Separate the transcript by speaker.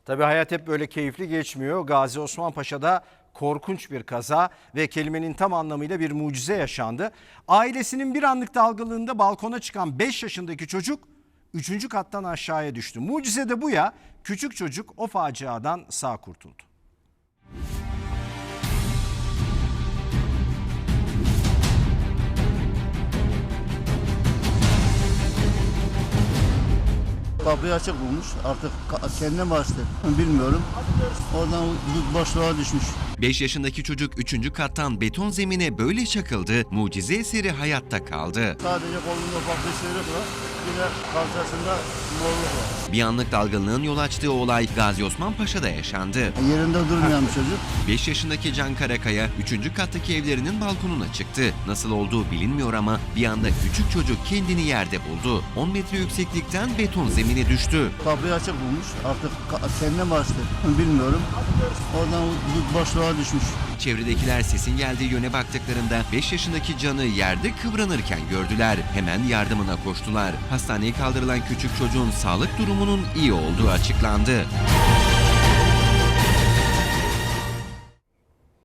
Speaker 1: Tabii hayat hep böyle keyifli geçmiyor. Gazi Osman Paşa'da korkunç bir kaza ve kelimenin tam anlamıyla bir mucize yaşandı. Ailesinin bir anlık dalgalığında balkona çıkan 5 yaşındaki çocuk 3. kattan aşağıya düştü. Mucize de bu ya, küçük çocuk o faciadan sağ kurtuldu.
Speaker 2: Kapıyı açık bulmuş. Artık kendine mi açtı bilmiyorum. Oradan boşluğa düşmüş.
Speaker 3: 5 yaşındaki çocuk 3. kattan beton zemine böyle çakıldı, mucize eseri hayatta kaldı.
Speaker 2: Sadece kolunda ufak bir sıyrık var. Bir de kalçasında morluk var.
Speaker 3: Bir anlık dalgınlığın yol açtığı olay Gazi Osman Paşa'da yaşandı.
Speaker 2: Yerinde durmayan bir çocuk.
Speaker 3: 5 yaşındaki Can Karakaya 3. kattaki evlerinin balkonuna çıktı. Nasıl olduğu bilinmiyor ama bir anda küçük çocuk kendini yerde buldu. 10 metre yükseklikten beton zemine düştü.
Speaker 2: Kapıyı açık bulmuş. Artık kendine mi açtı bilmiyorum. Oradan boşluğa düşmüş.
Speaker 3: Çevredekiler sesin geldiği yöne baktıklarında 5 yaşındaki Can'ı yerde kıvranırken gördüler. Hemen yardımına koştular. Hastaneye kaldırılan küçük çocuğun sağlık durumunun iyi olduğu açıklandı.